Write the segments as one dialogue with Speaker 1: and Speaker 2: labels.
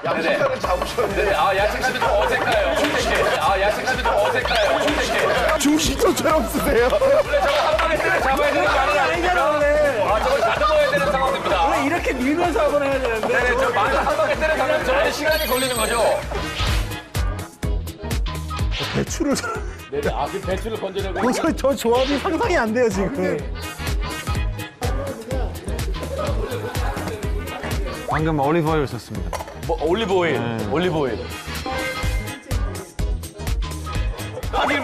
Speaker 1: 양식사를 잡으셨는데.
Speaker 2: 네, 아, 야식감이 좀 어색해요. 어색해. 아, 야식감이 좀 어색해요. 어색해.
Speaker 1: 중식초처럼 쓰세요.
Speaker 2: 원래 저거 한 방에 때려 잡아야 되는 거 아니야? 아, 저걸 다듬어야 되는 상황입니다.
Speaker 3: 원래 이렇게 밀면서 한번 해야 되는데.
Speaker 2: 네네, 저 맞아. 한 방에 때려 잡으면 저는 시간이 걸리는 거죠.
Speaker 1: 배추를.
Speaker 2: 네네, 아, 그 배추를 건져내고.
Speaker 1: 저 조합이 상상이 안 돼요, 지금.
Speaker 4: 방금 올리브 오일 썼습니다.
Speaker 2: 뭐, 올리브 오일. 올리브 오일. 파기름.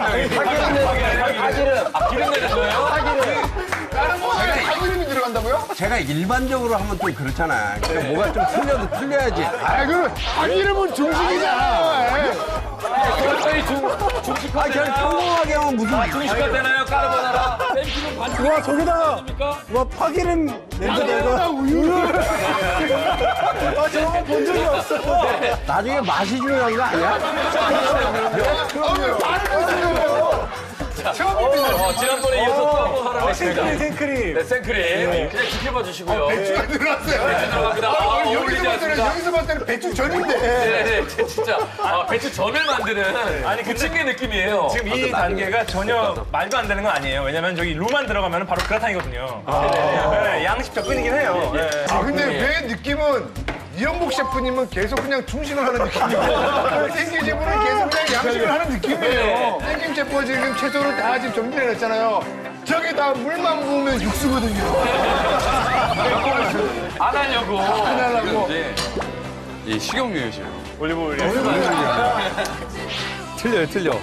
Speaker 2: 아, 기름 내는 거예요?
Speaker 1: 다른 거에 참기름이 들어간다고요?
Speaker 5: 제가 일반적으로 하면 좀 그렇잖아. 그러니까 뭐가 좀 틀려도 틀려야지.
Speaker 1: 아, 그 참기름은 중식이잖아.
Speaker 2: 저희 중식화
Speaker 5: 아, 그냥 평범하게 하면 무슨.
Speaker 2: 중식화 되나요? 까르보나라? 쌤기름 반죽
Speaker 1: 와, 저기다가.
Speaker 2: 아닙니까?
Speaker 1: 와, 파기름 냄새 내가 우유를. 아, 저거 본 적이 없어.
Speaker 5: 나중에 맛이 중요한 거 아니야?
Speaker 2: 지난번에 이어서 또 한번 하라고 했습니다.
Speaker 3: 생크림.
Speaker 2: 네, 생크림. 그냥 지켜봐 주시고요.
Speaker 1: 배추가 들어갔어요.
Speaker 2: 배추 들어갑니다. 아, 어울리지 않습니다.
Speaker 1: 여기서 봤을 때는 배추 전인데.
Speaker 2: 네네, 진짜. 아, 배추 전을 만드는 아니, 부침개 느낌이에요.
Speaker 6: 지금 이 단계가 전혀 말도 안 되는 건 아니에요. 왜냐면 저기 루만 들어가면 바로 그라탕이거든요. 네, 양식 접근이긴 해요. 네.
Speaker 1: 아, 근데 왜 느낌은 이영복 셰프님은 계속 그냥 중식을 하는 느낌이고 생김 셰프는 계속 그냥 양식을 하는 느낌이에요. 생김 셰프가 지금 채소를 다 지금 정리를 했잖아요. 저기다 물만 부으면 육수거든요.
Speaker 2: 안 하려고.
Speaker 1: 안 하려고.
Speaker 4: 이 식용유예요.
Speaker 6: 올리브 오일.
Speaker 4: 틀려요, 틀려.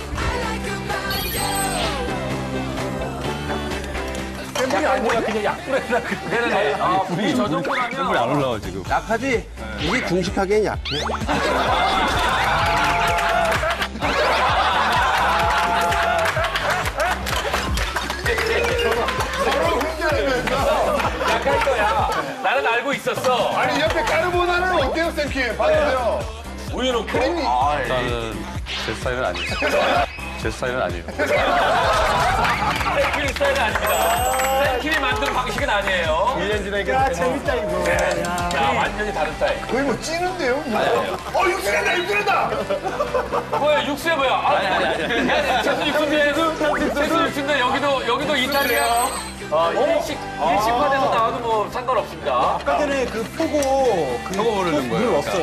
Speaker 3: 샘플이 아니라 그냥 약불에다.
Speaker 2: 네네네. 아, 불이 저 정도라면.
Speaker 4: 샘플이 안 올라와, 지금.
Speaker 5: 약하지? 이게 중식하기엔 약해.
Speaker 1: 서로 훈련하면서.
Speaker 2: 약할 거야. 나는 알고 있었어.
Speaker 1: 아니 옆에 까르보나라는 어때요, 쌤킴? 봐주세요.
Speaker 2: 우유 넣고.
Speaker 4: 일단은 제 스타일은 아니에요. 제 스타일은 아니에요.
Speaker 2: 생크림 스타일은 아닙니다. 생크림이 만든 방식은 아니에요.
Speaker 6: 1년 지나니까
Speaker 3: 야, 재밌다, 이거.
Speaker 2: 야, 완전히 다른 스타일.
Speaker 1: 거의 뭐 찌는데요? 뭐. 육수낸다, 육수낸다!
Speaker 2: 뭐야, 육수야, 뭐야? 아니. 채소 육수인데, 채소 육수인데, 여기도 이탈리아. 일식화돼서 나와도 뭐 상관없습니다.
Speaker 3: 아까 전에 그 포고 그
Speaker 4: 저거 모르는 거예요.
Speaker 3: 물 없어요.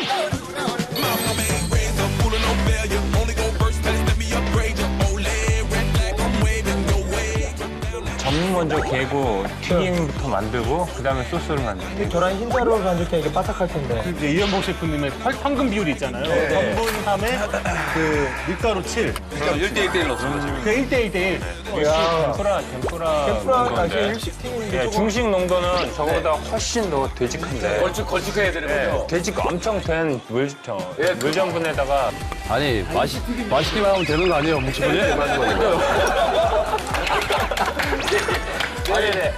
Speaker 6: 전 먼저 개고 튀김부터 만들고 그다음에 소스를 만들고.
Speaker 3: 계란 흰자로 간직해 이게 바삭할 텐데.
Speaker 7: 이제 이현복 셰프님의 황금 비율이 있잖아요. 3분 3에 그 밀가루 7.
Speaker 4: 1대1대1 넣습니다, 지금.
Speaker 7: 그 1대1대1.
Speaker 3: 야,
Speaker 6: 템프라
Speaker 3: tempura 다시
Speaker 6: 농도인데.
Speaker 3: 일식팀인데
Speaker 6: 예,
Speaker 3: 조금
Speaker 6: 중식 농도는 저거보다 훨씬 더 되직한데.
Speaker 2: 걸쭉해야 되는 거죠.
Speaker 6: 되직 엄청 된 물전분에다가
Speaker 4: 아니, 맛있기만 하면 되는 거 아니에요, 묵치분이?
Speaker 2: 네네.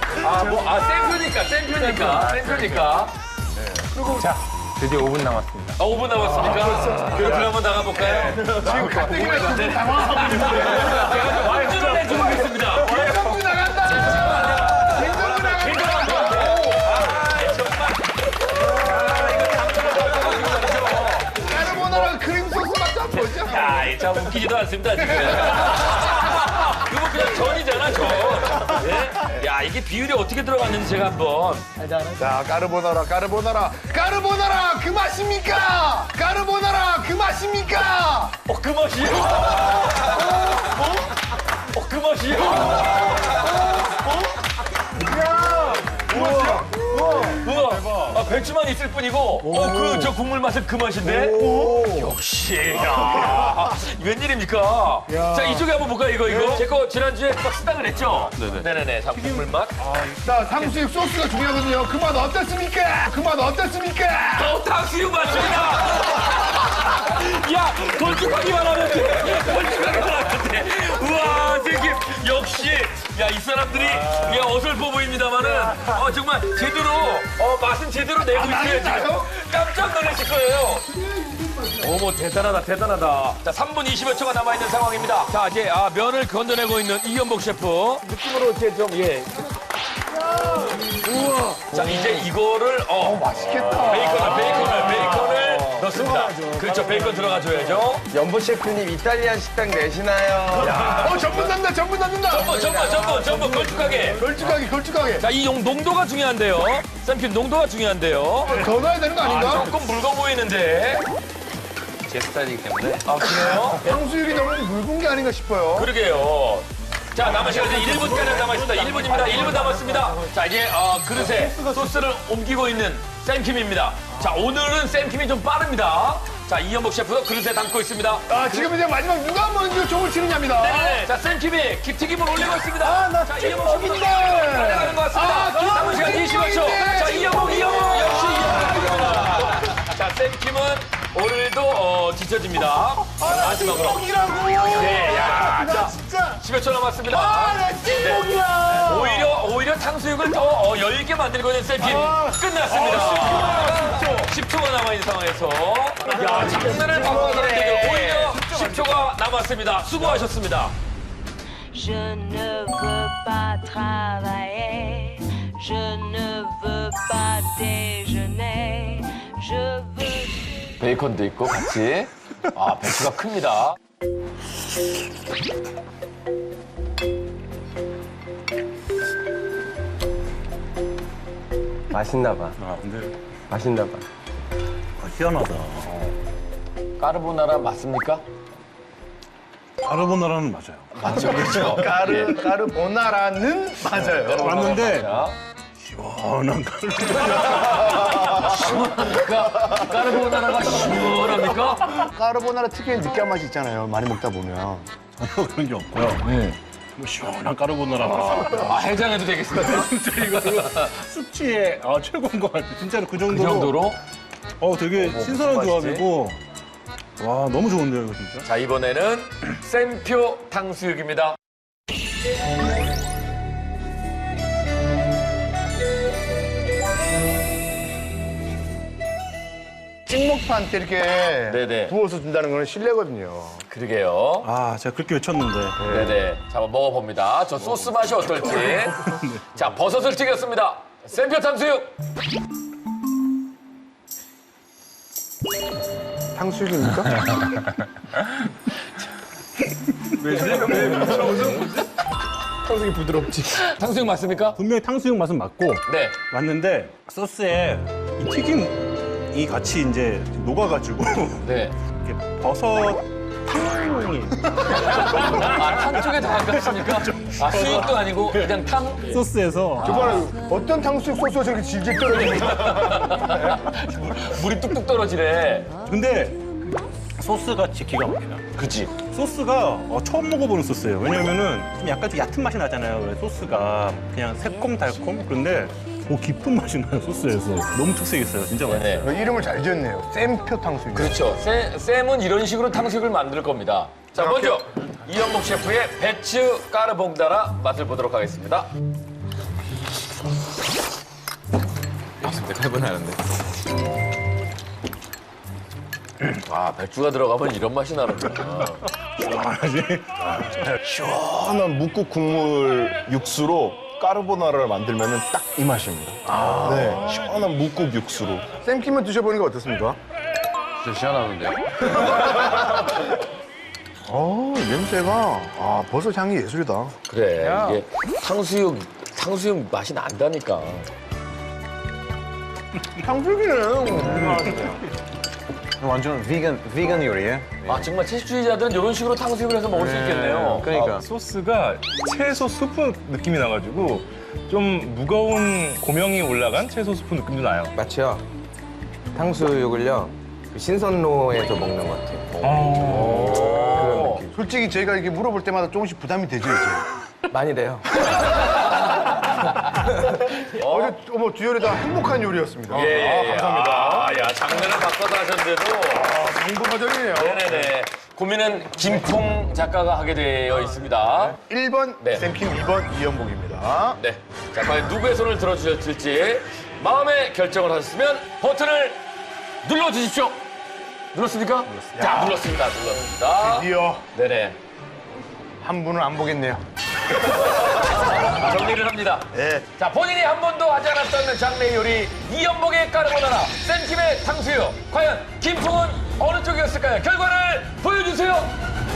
Speaker 2: 쌤표니까.
Speaker 6: 자, 드디어 5분 남았습니다.
Speaker 2: 5분 남았습니까? 그럼 한번 나가볼까요?
Speaker 1: 지금 가뜩이나 지금 당황하고 있는데.
Speaker 2: 제가 좀 완주를 해주고 있습니다.
Speaker 1: 김정구 나간다! 김정구 나간다! 까르보나라 크림 소스 맛도 한번 보죠.
Speaker 2: 야, 이 참 웃기지도 않습니다, 지금. 그거 그냥 전이잖아, 전. 예? 야, 이게 비율이 어떻게 들어갔는지 제가 한번.
Speaker 1: 자, 까르보나라 그 맛입니까? 까르보나라 그 맛입니까?
Speaker 2: 그 맛이요? 그 맛이요? 우와. 아, 배추만 있을 뿐이고, 저 국물 맛은 그 맛인데? 역시, 야 웬일입니까? 자, 이쪽에 한번 볼까요, 이거? 제 거 지난주에 막 쓰당을 했죠? 네네네. 자, 국물 맛.
Speaker 1: 자, 탕수육 소스가 중요하거든요. 그 맛 어떻습니까? 그 맛 어떻습니까?
Speaker 2: 탕수육 맛입니다! 야, 걸쭉하기만 하면 돼. 걸쭉하기만 하면 돼. 우와, 생김. 역시. 야, 이 사람들이 어설퍼 보입니다만은 정말 제대로 맛은 제대로 내고 있어요, 지금. 깜짝 놀라실 거예요. 어머, 대단하다. 자, 3분 20여 초가 남아있는 상황입니다. 자, 이제 면을 건져내고 있는 이현복 셰프. 느낌으로 이제 좀, 우와. 자, 이제 이거를,
Speaker 1: 맛있겠다.
Speaker 2: 베이컨을 그렇습니다. 그렇죠. 베이컨 들어가줘야죠.
Speaker 5: 연보 셰프님 이탈리안 식당 내시나요?
Speaker 1: 전분 담는다, 전분 담는다.
Speaker 2: 전부 걸쭉하게.
Speaker 1: 걸쭉하게.
Speaker 2: 자, 이 농도가 중요한데요. 쌤킴 농도가 중요한데요.
Speaker 1: 더 넣어야 되는 거 아닌가?
Speaker 2: 조금 묽어 보이는데.
Speaker 4: 제 스타일이기 때문에.
Speaker 2: 아, 그래요?
Speaker 1: 탕수육이 너무 묽은 게 아닌가 싶어요.
Speaker 2: 그러게요. 자, 남은 시간 이제 1분가량 남아있습니다. 1분입니다. 1분 남았습니다. 자, 이제 그릇에 소스를 옮기고 있는 쌤킴입니다. 자, 오늘은 쌤킴이 좀 빠릅니다. 자, 이현복 셰프도 그릇에 담고 있습니다.
Speaker 1: 아, 지금 이제 마지막 누가 먼저 종을 치느냐입니다.
Speaker 2: 네네. 자, 쌤킴이 깁튀김을 올리고 있습니다.
Speaker 1: 나
Speaker 2: 자, 이현복 셰프도
Speaker 1: 찐먹인데.
Speaker 2: 달려가는 것 같습니다. 남은 시간 20초. 자, 이현복 역시 이현복입니다. 자, 쌤킴은 오늘도 지쳐집니다. 마지막으로.
Speaker 1: 찐먹이라고.
Speaker 2: 네, 야, 자,
Speaker 1: 진짜.
Speaker 2: 10여 초 남았습니다.
Speaker 1: 나 찐먹이야.
Speaker 2: 오히려 탕수육을 더 열게 만들고 있는 쌤킴 끝났습니다. 10초가 남아있는 상황에서 야, 장난을 바꿔서는 대결 오히려 10초가 남았습니다. 수고하셨습니다.
Speaker 8: Je ne veux pas travailler, je ne veux pas déjeuner, je veux...
Speaker 2: 베이컨도 있고 같이. 아, 배추가 큽니다.
Speaker 5: 맛있나 봐.
Speaker 7: 아, 근데
Speaker 5: 맛있나 봐.
Speaker 7: 희한하다.
Speaker 2: 까르보나라 맞습니까?
Speaker 7: 까르보나라는 맞아요.
Speaker 2: 맞죠, 그렇죠.
Speaker 1: 까르보나라는 맞아요.
Speaker 7: 맞는데
Speaker 2: 자,
Speaker 7: 시원한 까르보나라.
Speaker 2: 까르보나라가 시원합니까?
Speaker 1: 까르보나라 특유의 느끼한 맛이 있잖아요. 많이 먹다 보면.
Speaker 7: 전혀 그런 게 없고요. 뭐 시원한 까르보나라.
Speaker 2: 아, 해장해도 되겠습니다.
Speaker 7: 진짜 이거 숙취에 최고인 것 같아요. 진짜로 그
Speaker 2: 그
Speaker 7: 정도로.
Speaker 2: 정도로?
Speaker 7: 되게 신선한 조합이고. 와, 너무 좋은데요, 이거 진짜.
Speaker 2: 자, 이번에는 쌤표 탕수육입니다.
Speaker 1: 찍먹판 때 이렇게
Speaker 2: 네네.
Speaker 1: 부어서 준다는 건 실례거든요.
Speaker 2: 그러게요.
Speaker 7: 아, 제가 그렇게 외쳤는데.
Speaker 2: 네네. 자, 한번 먹어봅니다. 저 소스 맛이 어떨지. 자, 버섯을 튀겼습니다. 쌤표 탕수육.
Speaker 1: 탕수육입니까? 탕수육이 부드럽지.
Speaker 2: 탕수육 맞습니까?
Speaker 7: 분명히 탕수육 맛은 맞고
Speaker 2: 네.
Speaker 7: 맞는데 소스에 이 튀김이 같이 이제 녹아가지고
Speaker 2: 네.
Speaker 7: 이렇게 버섯 탕이
Speaker 2: 아, 탕 쪽에 다 가깝습니까? 아, 수육도 아니고 그냥 탕?
Speaker 7: 소스에서
Speaker 1: 정말 어떤 탕수육 소스가 저렇게 질질 떨어집니까?
Speaker 2: 물이 뚝뚝 떨어지네.
Speaker 7: 근데 소스같이 기가 막혀요.
Speaker 2: 그치?
Speaker 7: 소스가 처음 먹어보는 소스예요. 왜냐면은 좀 약간 좀 얕은 맛이 나잖아요. 왜 소스가 그냥 새콤달콤? 그런데 깊은 맛이 나요, 소스에서. 너무 특색 있어요. 진짜 맛있어요.
Speaker 2: 네네.
Speaker 1: 이름을 잘 지었네요. 쌤표 탕수육.
Speaker 2: 그렇죠. 쌤은 이런 식으로 탕수육을 만들 겁니다. 자, 먼저 이현복 셰프의 배추 까르보나라 맛을 보도록 하겠습니다. 아, 배추가 들어가면 이런 맛이 나는구나.
Speaker 9: 시원한 묵국 국물 육수로 까르보나라를 만들면 딱 이 맛입니다. 네, 시원한 묵국 육수로.
Speaker 1: 쌤킴은 드셔보니까 어떻습니까?
Speaker 4: 진짜 시원하는데요?
Speaker 1: 냄새가 버섯 향이 예술이다.
Speaker 2: 그래, 이게 탕수육 맛이 난다니까.
Speaker 1: 탕수육이네.
Speaker 5: 완전 비건 요리예요?
Speaker 2: 아, 정말 채식주의자들은 이런 식으로 탕수육을 해서 먹을 수 있겠네요.
Speaker 5: 그러니까.
Speaker 6: 소스가 채소 수프 느낌이 나가지고 좀 무거운 고명이 올라간 채소 수프 느낌도 나요.
Speaker 5: 맞죠? 탕수육을요 신선로에서 먹는 것 같아요.
Speaker 1: 솔직히 저희가 이렇게 물어볼 때마다 조금씩 부담이 되죠, 이제.
Speaker 5: 많이 돼요.
Speaker 1: 어제 주열이다 행복한 요리였습니다.
Speaker 2: 예,
Speaker 1: 감사합니다.
Speaker 2: 아, 야, 장르를 바꿔서 하셨는데도.
Speaker 1: 정보가전이네요.
Speaker 2: 네네네. 고민은 김풍 작가가 하게 되어 있습니다.
Speaker 1: 1번
Speaker 2: 네.
Speaker 1: 쌤킴, 2번 이현복입니다.
Speaker 2: 네. 자, 과연 누구의 손을 들어주실지 마음의 결정을 하셨으면 버튼을 눌러주십시오. 눌렀습니까? 자, 눌렀습니다. 눌렀습니다.
Speaker 1: 드디어
Speaker 2: 네네.
Speaker 1: 한 분은 안 보겠네요.
Speaker 2: 정리를 합니다. 자, 본인이 한 번도 하지 않았던 장래 요리 이연복의 까르보나라, 센팀의 탕수육. 과연 김풍은 어느 쪽이었을까요? 결과를 보여주세요.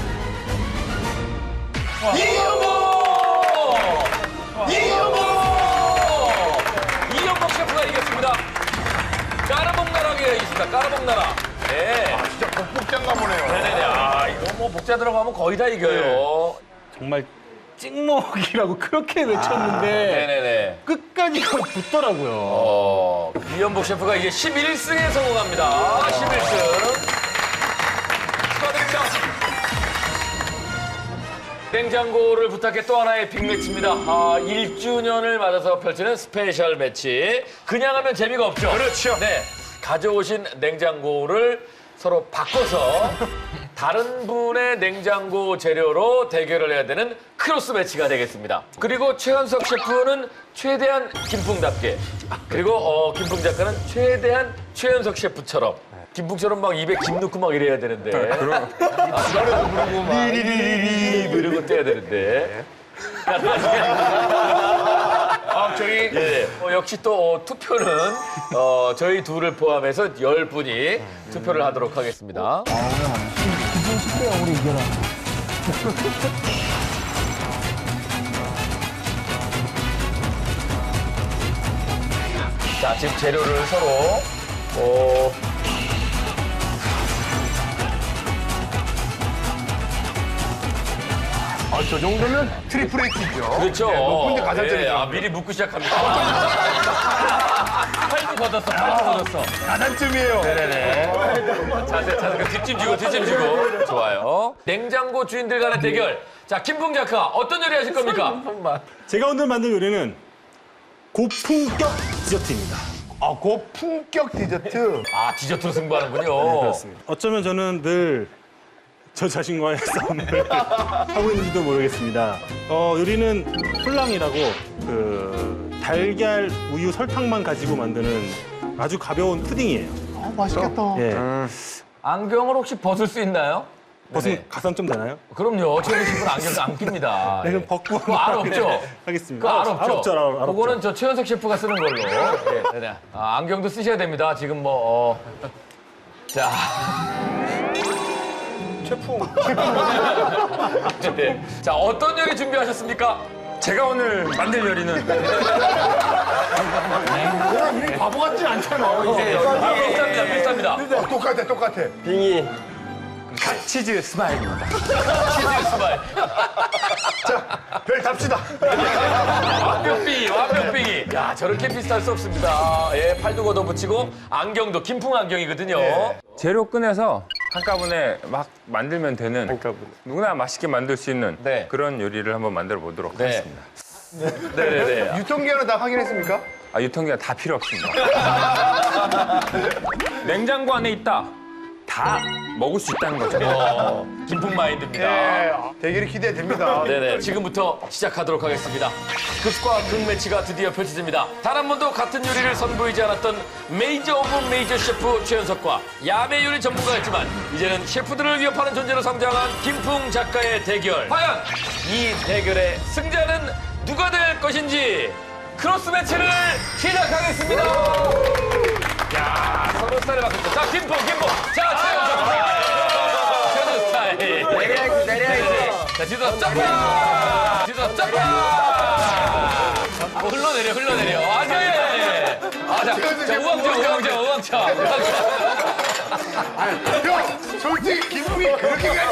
Speaker 2: 이연복 셰프가 이겼습니다. 까르봉나라가 이겼습니다. 까르봉나라. 네.
Speaker 1: 진짜 복장가 보네요.
Speaker 2: 네네네. 아, 이거 뭐 복자 들어가면 거의 다 이겨요.
Speaker 3: 정말 찍먹이라고 그렇게 외쳤는데
Speaker 2: 네네네.
Speaker 3: 끝까지 붙더라고요.
Speaker 2: 이연복 셰프가 이제 11승에 성공합니다. 11승. 축하드립니다. 냉장고를 부탁해 또 하나의 빅매치입니다. 1주년을 맞아서 펼치는 스페셜 매치. 그냥 하면 재미가 없죠.
Speaker 1: 그렇죠.
Speaker 2: 네. 가져오신 냉장고를 서로 바꿔서 다른 분의 냉장고 재료로 대결을 해야 되는 크로스 매치가 되겠습니다. 그리고 최현석 셰프는 최대한 김풍답게, 그리고 김풍 작가는 최대한 최현석 셰프처럼 김풍처럼 막 입에 김 넣고 막 이래야 되는데 노래도 부르고 막 리리리리 이러고 떼야 되는데 저희 역시 또 투표는 저희 둘을 포함해서 10분이 투표를 하도록 하겠습니다.
Speaker 3: 우리 이겨라.
Speaker 2: 자, 지금 재료를 서로
Speaker 1: 저 정도면 트리플 H죠.
Speaker 2: 그렇죠.
Speaker 1: 높은데 가산점이죠.
Speaker 2: 미리 묻고 시작합니다. 팔도 걷었어, 팔도 걷었어.
Speaker 1: 가산점이에요.
Speaker 2: 네네네. 자세, 뒷짐 지고. 좋아요. 냉장고 주인들 간의 대결. 자, 김풍 작가, 어떤 요리 하실 겁니까?
Speaker 7: 제가 오늘 만든 요리는 고품격 디저트입니다.
Speaker 1: 고품격 디저트.
Speaker 2: 디저트로 승부하는군요.
Speaker 7: 그렇습니다. 어쩌면 저는 늘 저 자신과의 싸움을 하고 있는지도 모르겠습니다. 요리는 훌랑이라고 달걀, 우유, 설탕만 가지고 만드는 아주 가벼운 푸딩이에요.
Speaker 1: 맛있겠다.
Speaker 7: 예.
Speaker 2: 안경을 혹시 벗을 수 있나요?
Speaker 7: 벗으면 가산 좀 되나요?
Speaker 2: 그럼요. 최근 신분 안경도 안 낍니다.
Speaker 7: 네, 그럼 벗고
Speaker 2: 그거 알 없죠?
Speaker 7: 하겠습니다.
Speaker 2: 그거 알 없죠?
Speaker 7: 알 없죠. 알 없죠.
Speaker 2: 그거는 저 최현석 셰프가 쓰는 걸로. 네. 안경도 쓰셔야 됩니다. 지금 자. 셰프. 네. 자, 어떤 요리 준비하셨습니까?
Speaker 6: 제가 오늘 만들 요리는
Speaker 1: 바보 같지 않잖아요.
Speaker 2: 비슷합니다.
Speaker 1: 똑같아.
Speaker 6: 치즈 스마일입니다.
Speaker 2: 치즈 스마일.
Speaker 1: 별 답시다.
Speaker 2: 완벽빙이. 야, 저렇게 비슷할 수 없습니다. 예, 팔도 걷어붙이고 안경도 김풍 안경이거든요.
Speaker 10: 재료 꺼내서 한꺼번에 막 만들면 되는 누구나 맛있게 만들 수 있는
Speaker 2: 네.
Speaker 10: 그런 요리를 한번 만들어 보도록 하겠습니다.
Speaker 2: 네네네.
Speaker 1: 유통기한은 다 확인했습니까?
Speaker 10: 유통기한 다 필요 없습니다. 냉장고 안에 있다. 다 먹을 수 있다는 거죠.
Speaker 2: 김풍 마인드입니다.
Speaker 1: 대결이 기대됩니다.
Speaker 2: 네네. 지금부터 시작하도록 하겠습니다. 극과 극 매치가 드디어 펼쳐집니다. 단 한 번도 같은 요리를 선보이지 않았던 메이저 오브 메이저 셰프 최현석과 야매 요리 전문가였지만 이제는 셰프들을 위협하는 존재로 성장한 김풍 작가의 대결. 과연 이 대결의 승자는 누가 될 것인지 크로스 매치를 시작하겠습니다. 야, 서로 스타일을 바꿨죠. 자, 김풍. 자, 최현석 스타일. 내려야지. 자, 지도 점프! 흘러내려. 자, 우왕차.
Speaker 1: 형, 솔직히 기분이 그렇게까지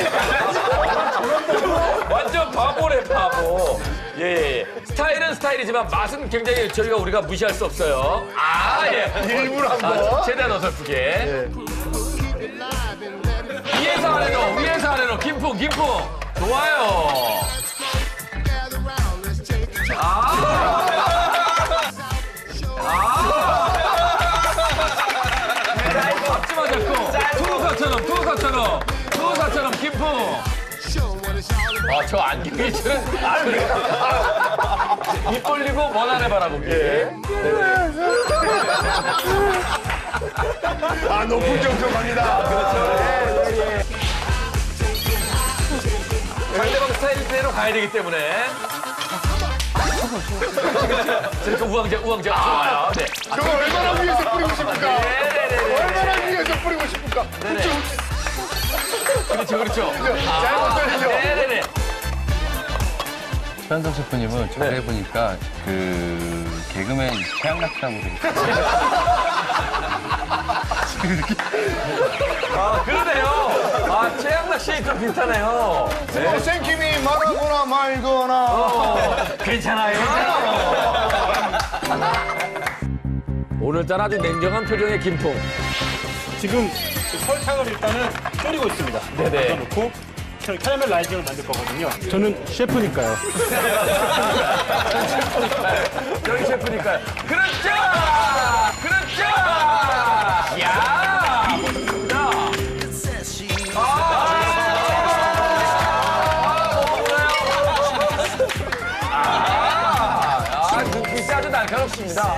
Speaker 2: 완전 바보래, 바보. 예. 스타일은 스타일이지만 맛은 굉장히 우리가 무시할 수 없어요.
Speaker 1: 일부러 한번.
Speaker 2: 최대한 어설프게. 위에서 아래로. 김풍. 좋아요. 앞치마 잡고 투우사처럼 김풍. 저 안경이 입 벌리고 먼 하늘 바라보기.
Speaker 1: 높은 점수 갑니다.
Speaker 2: 상대방 스타일대로 가야 되기 때문에. 저렇게 우왕좌왕. 좋아요. 네.
Speaker 1: 저거 얼마나 위에서 뿌리고 싶을까?
Speaker 2: 네네네.
Speaker 1: 얼마나 위에서 뿌리고 싶을까?
Speaker 2: 그렇죠.
Speaker 1: 잘못되죠.
Speaker 2: 네네네.
Speaker 4: 최한석 셰프님은 잘 해보니까 그 개그맨 최양락 씨라고
Speaker 2: 아, 그러네요. 최양락 씨 좀 비슷하네요.
Speaker 1: 뭐 생김이 말하거나 말거나.
Speaker 2: 괜찮아요. 오늘따라 아주 냉정한 표정의 김풍.
Speaker 7: 지금 설탕을 일단은 졸이고 있습니다.
Speaker 2: 네네.
Speaker 7: 넣고 캐러멜 라이징을 만들 거거든요. 저는 셰프니까요.
Speaker 2: 저희 셰프니까요. 그렇죠! 야! 자. 눈빛이 아주 날카롭습니다.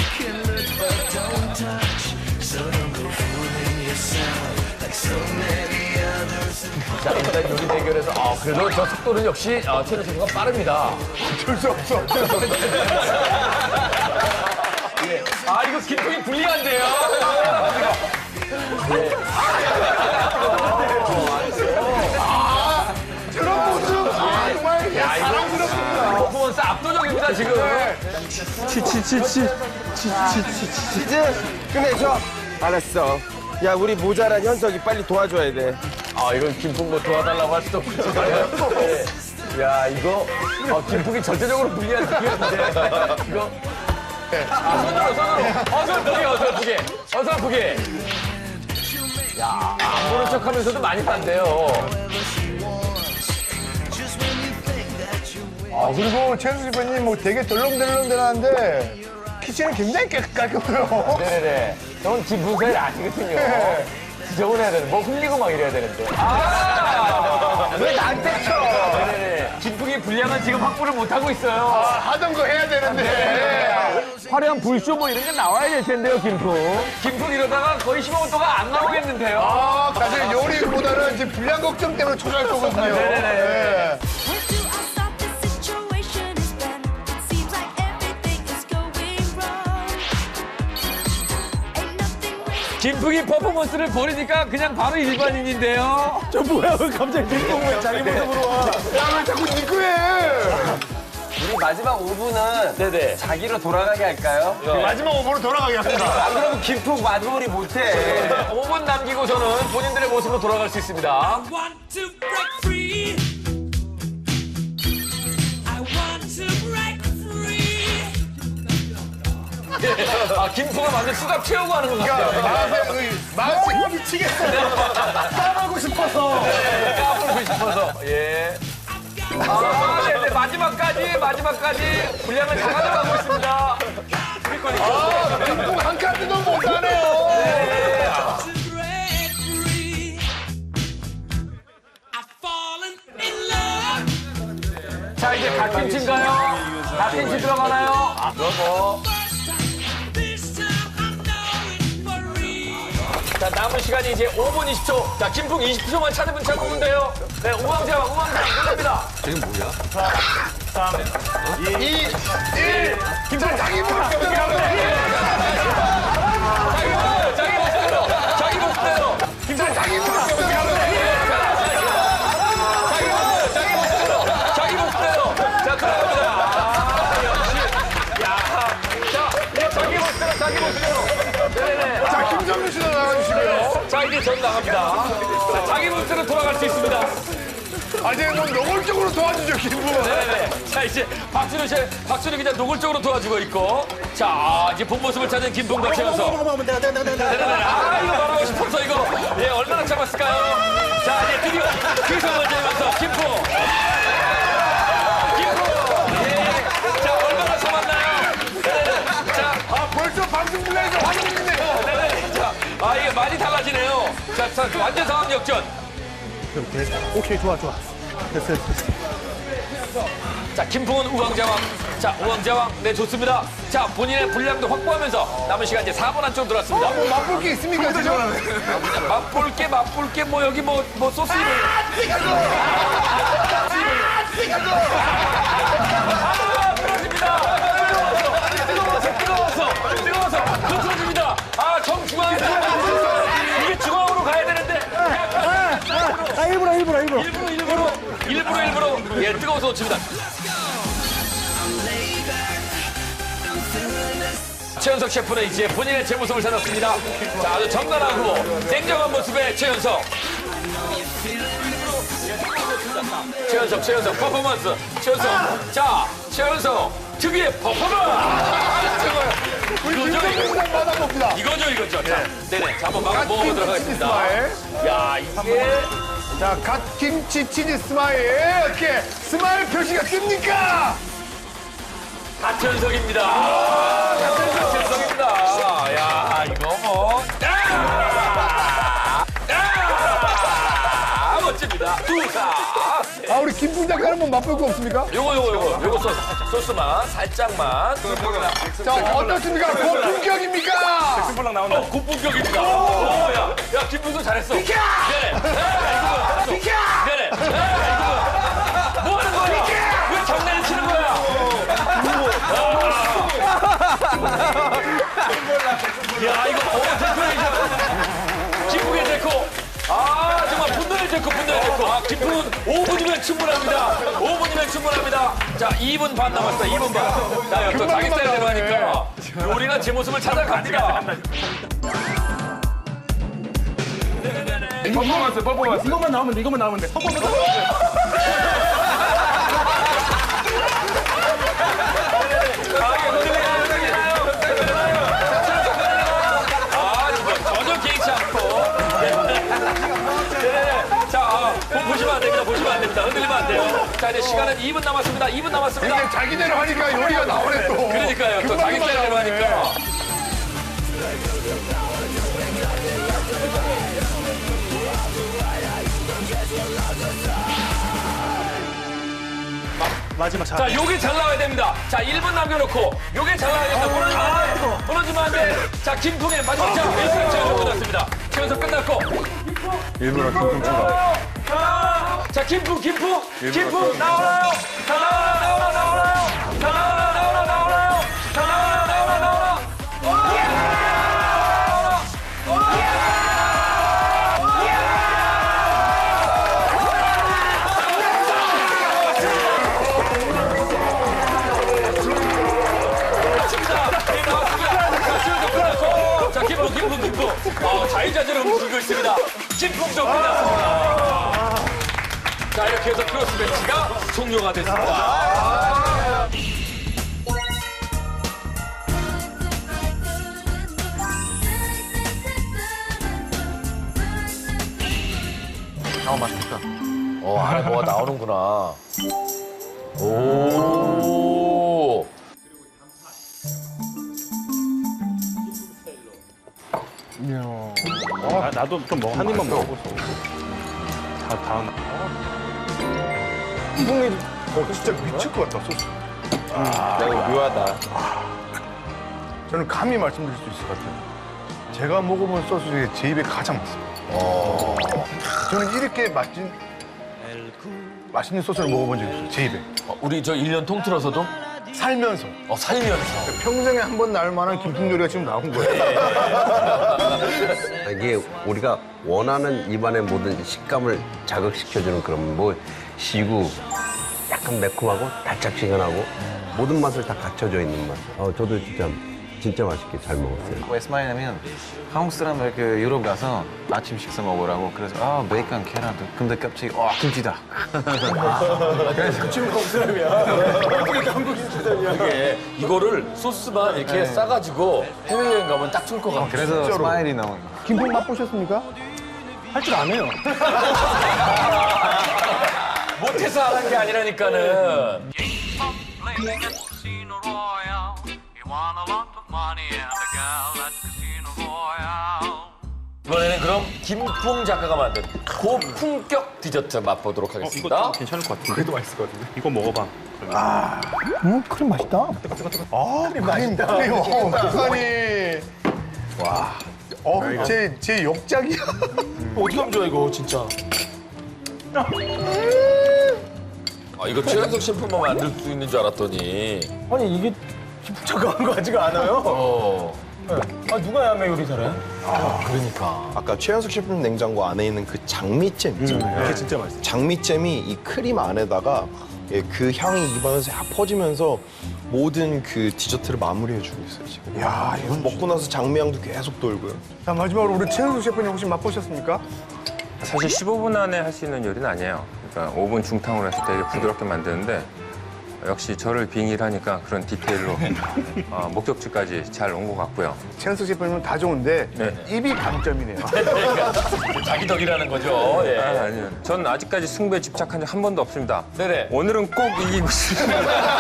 Speaker 2: 자, 일단 요리 대결에서, 그래도 저 속도는 역시, 최대 셰프가 빠릅니다.
Speaker 1: 어쩔 수 없어.
Speaker 2: 예. 이거 김풍이 불리한데요?
Speaker 1: 저런 모습. 정말 사랑스럽습니다.
Speaker 2: 퍼포먼스 압도적입니다, 지금.
Speaker 5: 치즈 끝내줘. 알았어. 야, 우리 모자란 현석이 빨리 도와줘야 돼.
Speaker 2: 이건 김풍 뭐 도와달라고 할 수도 없지만. 네. 야, 이거, 김풍이 전체적으로 불리한 느낌인데. 이거. 손으로. 어설프게. 야, 안 보는 척 하면서도 많이 딴대요.
Speaker 1: 그리고 최수 셰프님 뭐 되게 덜렁덜렁대는데 키친은 굉장히 깔끔해요.
Speaker 2: 네네네. 저는 김풍 사일 아니거든요. 지저분해야 되는, 뭐 흘리고 막 이래야 되는데. 왜 나한테 쳐? 네네네. 김풍이 분량은 지금 확보를 못하고 있어요.
Speaker 1: 하던 거 해야 되는데.
Speaker 2: 화려한 불쇼 뭐 이런 게 나와야 될 텐데요, 김풍. 김풍 이러다가 거의 15분도가 안 나오겠는데요.
Speaker 1: 사실 요리보다는 이제 분량 걱정 때문에 초조할 거거든요.
Speaker 2: 네네네.
Speaker 8: Where do I stop? This situation is bad. It seems like everything is going wrong. Ain't nothing really.
Speaker 2: 김풍이 퍼포먼스를 벌이니까 그냥 바로 일반인인데요.
Speaker 3: 저 뭐야, 왜 갑자기 뒷공무에 자기 모습으로 와.
Speaker 1: 야, 왜 자꾸 니꺼 해?
Speaker 5: 우리 마지막 5분은
Speaker 2: 네네.
Speaker 5: 자기로 돌아가게 할까요?
Speaker 1: 마지막 5분으로 돌아가게 합니다.
Speaker 5: 안 그러면 김풍 마무리 못해.
Speaker 2: 5분 남기고서는 본인들의 모습으로 돌아갈 수 있습니다.
Speaker 11: Want to break free. I want to break free.
Speaker 2: 김풍은 완전 수갑 채우고 하는 것 같아요.
Speaker 1: 맛이 미치겠어.
Speaker 3: 따라하고 싶어서.
Speaker 2: 까불고 싶어서. 예. 네네. 마지막까지 분량을 다 가져가고 있습니다.
Speaker 1: 한 카드도 못하네요.
Speaker 11: To break free. I've fallen in love.
Speaker 2: 자, 이제 갓김 팀인가요? 갓김 팀 들어가나요? 그럼
Speaker 11: This time I know it for real.
Speaker 2: 자, 남은 시간이 이제 5분 20초. 자, 김풍 20초만 찾으면 돼요. 네, 우왕좌왕 끝납니다.
Speaker 4: 지금 뭐야?
Speaker 1: 2, 1. 김철 자기 모습
Speaker 2: 자기 모습대로.
Speaker 1: 김철 자기 모습
Speaker 2: 자기 모습대로. 자, 들어갑니다. 역시. 자, 자기 모습대로. 네네.
Speaker 1: 자, 김정민 씨도 나와주시고요.
Speaker 2: 자, 이제 전 나갑니다. 자, 자기 모습대로 돌아갈 수 있습니다.
Speaker 1: 이제 뭐 노골적으로 도와주죠, 김부.
Speaker 2: 네네. 자, 이제 박준우 기자 노골적으로 도와주고 있고. 자, 이제 본 모습을 찾은 김풍과 최연석. 네네네. 이거 말하고 싶어서 이거. 예, 얼마나 참았을까요? 자, 이제 드디어 귀성을 재면서 김풍. 예. 자, 얼마나 참았나요? 네네. 자,
Speaker 1: 벌써 방송 분량에서 화내네요.
Speaker 2: 네네. 자, 이게 많이 달라지네요. 자, 완전 상황 역전.
Speaker 7: 오케이, 좋아. 됐어.
Speaker 2: 자, 김풍은 우왕좌왕. 자, 우왕좌왕. 네, 좋습니다. 자, 본인의 분량도 확보하면서 남은 시간 이제 4분 안쪽 들어왔습니다.
Speaker 1: 뭐 맛볼 게 있습니까, 지금?
Speaker 2: 맛볼게, 뭐, 여기 뭐 소스. 그렇습니다. 뜨거워서 흐트러집니다. 아, 정중앙에 이게 중앙으로 가야 되는데 일부러 예, 뜨거워서 놓칩니다. 최연석 셰프는 이제 본인의 제 모습을 찾았습니다. 자, 아주 정갈하고 냉정한 모습의 최연석. 최연석 퍼포먼스. 최연석. 자, 최연석 특유의 퍼포먼스. 이거죠. 자, 네네. 자, 한번 먹어보도록 하겠습니다. 야, 이게.
Speaker 1: 자, 갓김치 치즈 스마일. 이렇게 스마일 표시가 뜹니까?
Speaker 2: 가천석입니다. 가천석입니다. 야, 이거 뭐. 멋집니다. 두사.
Speaker 1: 아, 우리 김풍 작가 한번 맛볼 거 없습니까?
Speaker 2: 요거 소스만 살짝만.
Speaker 1: 자, 어떻습니까? 고품격입니까?
Speaker 6: 승부랑 나온다.
Speaker 2: 고품격입니다. 야, 김풍도 잘했어. 비켜! 비켜! 네네. 뭐 하는 거야? 왜 장난을 치는 거야? 야, 이거 김풍의 데코. 아, 정말 분노의 데코. 아, 김풍은 5분이면 충분합니다. 자, 2분 반 남았다. 2분 반. 자, 또 자기 스타일대로 하니까 요리가 제 모습을 찾아갑니다. 퍼포먼스.
Speaker 3: 이것만 나오면 돼.
Speaker 2: 전혀 개의치 않고. 자, 보시면 안 됩니다. 흔들리면 안 돼요. 자, 이제 시간은 2분 남았습니다.
Speaker 1: 근데 자기대로 하니까 요리가 나오네 또.
Speaker 2: 그러니까요. 또 자기 스타일대로 하니까.
Speaker 3: 마지막
Speaker 2: 자, 요게 잘 나와야 됩니다. 자, 1분 남겨놓고 요게 잘 나와야 됩니다. 무너지면 안 돼. 자, 김풍의 마지막 자, 1분 최연석 끝났습니다. 최연석 끝났고.
Speaker 10: 일부러 김풍 친다.
Speaker 2: 자, 김풍 나오나요? 자, 김풍. 자유자재로 움직이고 있습니다. 김풍도 끝났습니다. 자, 이렇게 해서 크로스 매치가 종료가 됐습니다.
Speaker 1: 맛있겠다.
Speaker 2: 안에 뭐가 나오는구나. 오.
Speaker 7: 나도 좀 한 입만 먹어보소. 다음.
Speaker 1: 김풍이 진짜 미칠 것 같다, 소스.
Speaker 5: 야, 묘하다.
Speaker 1: 저는 감히 말씀드릴 수 있을 것 같아요. 제가 먹어본 소스 중에 제 입에 가장 맞습니다. 저는 이렇게 맛있는 소스를 먹어본 적이 없어요, 제 입에.
Speaker 2: 우리 저 1년 통틀어서도
Speaker 1: 살면서.
Speaker 2: 살면서.
Speaker 1: 평생에 한 번 나올 만한 김풍 요리가 지금 나온 거예요.
Speaker 12: 이게 우리가 원하는 입안의 모든 식감을 자극시켜주는 그런 뭐 시구, 약간 매콤하고 달짝지근하고 모든 맛을 다 갖춰져 있는 맛. 저도 진짜 맛있게 잘 먹었어요.
Speaker 13: 왜 스마일하면 한국 사람들 그 유럽 가서 아침 식사 먹으라고 그래서 베이컨 계란도 근데 갑자기 김치다.
Speaker 1: 그래서 지금 한국 사람이야. 어떻게 한국 김치전이야.
Speaker 2: 이게 이거를 소스만 이렇게 싸가지고 해외여행 가면 딱 좋을 것 같아요.
Speaker 13: 그래서
Speaker 1: 진짜로.
Speaker 13: 스마일이 나온 거.
Speaker 1: 김풍 맛보셨습니까?
Speaker 3: 할 줄 안 해요.
Speaker 2: 못해서 안 한 게 아니라니까는. 이번에는 그럼 김풍 작가가 만든 고품격 디저트 맛보도록
Speaker 7: 이거
Speaker 2: 하겠습니다.
Speaker 7: 좀 괜찮을 것 같은데.
Speaker 1: 그래도 맛있을 것 같은데.
Speaker 7: 이거 먹어봐.
Speaker 1: 크림 맛있다. 크림 맛있다. 크림이. 와. 제 역작이야.
Speaker 3: 어떻게 하면 좋아, 이거, 진짜.
Speaker 2: 아, 이거 최현석 셰프만 만들 수 있는 줄 알았더니.
Speaker 5: 아니 이게 복잡한 거 같지가 않아요. 아 누가 야매 요리 잘해?
Speaker 9: 아까 최현석 셰프님 냉장고 안에 있는 그 장미잼 있잖아요.
Speaker 7: 그게 진짜 맛있어요.
Speaker 9: 장미잼이 이 크림 안에다가 예, 그 향이 입안에서 약 퍼지면서 모든 그 디저트를 마무리해주고 있어요 지금.
Speaker 1: 야, 이건
Speaker 9: 먹고 나서 장미향도 계속 돌고요.
Speaker 1: 자, 마지막으로 우리 최현숙 셰프님 혹시 맛보셨습니까?
Speaker 10: 사실 15분 안에 할 수 있는 요리는 아니에요. 그러니까 오븐 중탕으로 해서 되게 부드럽게 만드는데 역시 저를 빙의하니까 그런 디테일로 목적지까지 잘 온 것 같고요.
Speaker 1: 최현숙 셰프님은 다 좋은데
Speaker 10: 네.
Speaker 1: 입이 강점이네요.
Speaker 2: 자기 덕이라는 거죠. 예.
Speaker 10: 아니요. 전 아직까지 승부에 집착한 적 한 번도 없습니다.
Speaker 2: 네네.
Speaker 10: 오늘은 꼭 이기고 싶습니다.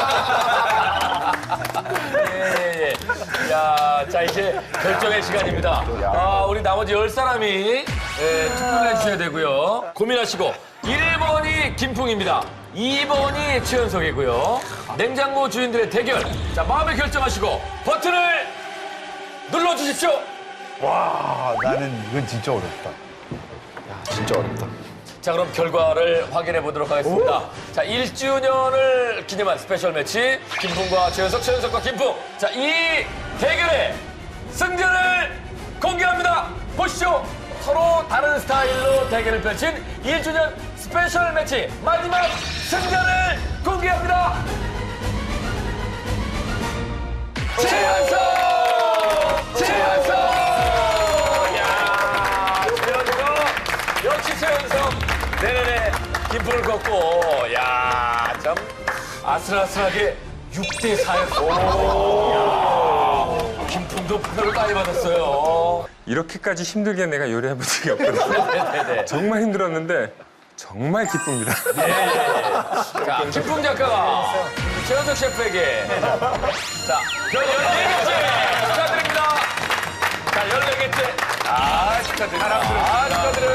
Speaker 2: 예. 야, 자, 이제 결정의 시간입니다. 우리 나머지 10사람이 투표를 해주셔야 되고요. 고민하시고. 1번이 김풍입니다. 2번이 최현석이고요. 냉장고 주인들의 대결. 자, 마음에 결정하시고 버튼을 눌러주십시오.
Speaker 1: 와, 나는 이건 진짜 어렵다.
Speaker 9: 진짜 어렵다.
Speaker 2: 자, 그럼 결과를 확인해 보도록 하겠습니다. 자, 1주년을 기념한 스페셜 매치. 김풍과 최현석, 최현석과 김풍. 자, 이 대결의 승자를 공개합니다. 보시죠. 서로 다른 스타일로 대결을 펼친 1주년 스페셜 매치 마지막 승자를 공개합니다. 최현석! 최현석! 야, 최현석! 역시 최현석! 네네네, 김풍을 걷고, 야, 참 아슬아슬하게 6대4였어. 김풍도 표를 많이 받았어요.
Speaker 10: 이렇게까지 힘들게 내가 요리해본 적이 없거든요.
Speaker 2: 네네네.
Speaker 10: 정말 힘들었는데 정말 기쁩니다.
Speaker 2: 자, 김풍 작가가 최현석 셰프에게 자, 별 14개째 축하드립니다. 자, 14개째. 축하드립니다. 축하드립니다.